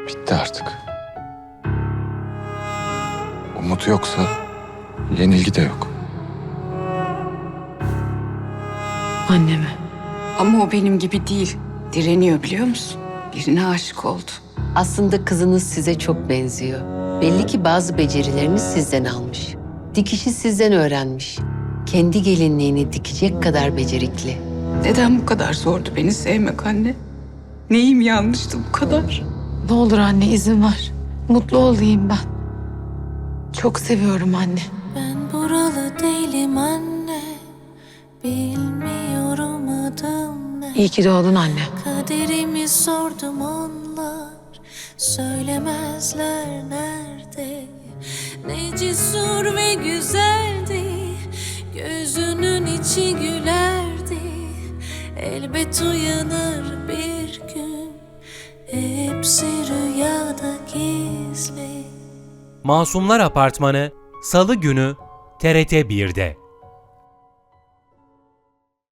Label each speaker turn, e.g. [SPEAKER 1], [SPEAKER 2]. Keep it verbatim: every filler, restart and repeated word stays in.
[SPEAKER 1] Bitti artık. Umut yoksa yenilgi de yok.
[SPEAKER 2] Anneme.
[SPEAKER 3] Ama o benim gibi değil. Direniyor biliyor musun? Birine aşık oldu.
[SPEAKER 4] Aslında kızınız size çok benziyor. Belli ki bazı becerilerini sizden almış. Dikişi sizden öğrenmiş. Kendi gelinliğini dikecek kadar becerikli.
[SPEAKER 3] Neden bu kadar zordu beni sevmek anne? Neyim yanlıştı bu kadar?
[SPEAKER 2] Ne olur anne izin ver. Mutlu olayım ben. Çok seviyorum anne.
[SPEAKER 5] Ben buralı değilim anne, bilmiyorum adım ne.
[SPEAKER 2] İyi ki doğdun anne.
[SPEAKER 5] Kaderimi sordum onlar, söylemezler nerede. Ne cesur ve güzeldi, gözünün içi gülerdi. Elbet uyanır bir gün, hepsi rüyada gizli.
[SPEAKER 6] Masumlar Apartmanı Salı günü T R T bir'de.